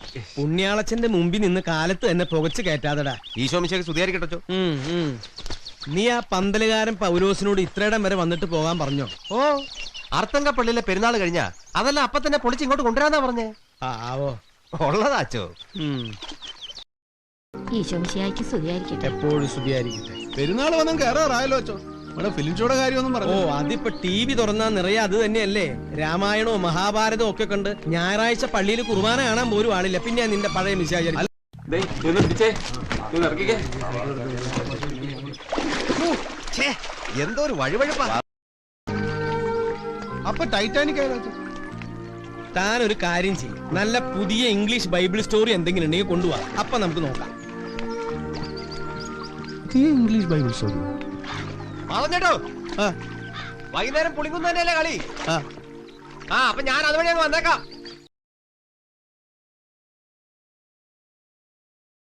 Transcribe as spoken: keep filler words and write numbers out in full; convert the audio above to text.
പുണ്യാളച്ചന്റെ മുമ്പിൽ നിന്ന് കാലത്ത് തന്നെ പുകച്ച് കയറ്റാതെടാ. ഈശോമിശേക്ക് സ്തുതിയായിരിക്കട്ടോ. നീ ആ പന്തലുകാരൻ പൗലോസിനോട് ഇത്രയിടം വരെ വന്നിട്ട് പോകാൻ പറഞ്ഞോ? ഓ, അർത്തങ്കപ്പള്ളിയിലെ പെരുന്നാൾ കഴിഞ്ഞാ അതെല്ലാം അപ്പൊ തന്നെ പൊളിച്ച് ഇങ്ങോട്ട് കൊണ്ടുവരാന്നാ പറഞ്ഞേ. ആവോ ഉള്ളതാച്ചോ. എപ്പോഴും സ്തുതിയായിരിക്കട്ടെ. പെരുന്നാൾ വന്നും കയറാറായല്ലോ അച്ചോ. ഇവിടെ ഫിലിം ഷോയുടെ കാര്യമൊന്നും പറഞ്ഞു. ഓ, അതിപ്പോ ടി വി തുറന്നാ നിറയെ അത് തന്നെയല്ലേ. രാമായണവും മഹാഭാരതവും ഒക്കെ കണ്ട് ഞായറാഴ്ച പള്ളിയിൽ കുർബാന കാണാൻ പോലും ആളില്ല. പിന്നെ നിന്റെ പഴയ മിശാചരി. എന്തോ ഒരു വഴിവഴിപ്പാ. അപ്പൊ ടൈറ്റാനിക് ആയാലോ? താൻ ഒരു കാര്യം ചെയ്യും, നല്ല പുതിയ ഇംഗ്ലീഷ് ബൈബിൾ സ്റ്റോറി എന്തെങ്കിലും ഉണ്ടെങ്കിൽ കൊണ്ടുപോവാ. അപ്പൊ നമുക്ക് നോക്കാം. ഇംഗ്ലീഷ് ബൈബിൾ സ്റ്റോറി പറഞ്ഞോ. വൈകുന്നേരം പുളിങ്കുന്ന് തന്നെയല്ലേ കളി? ആ, അപ്പൊ ഞാൻ അതുവഴി അങ്ങ് വന്നേക്കാം.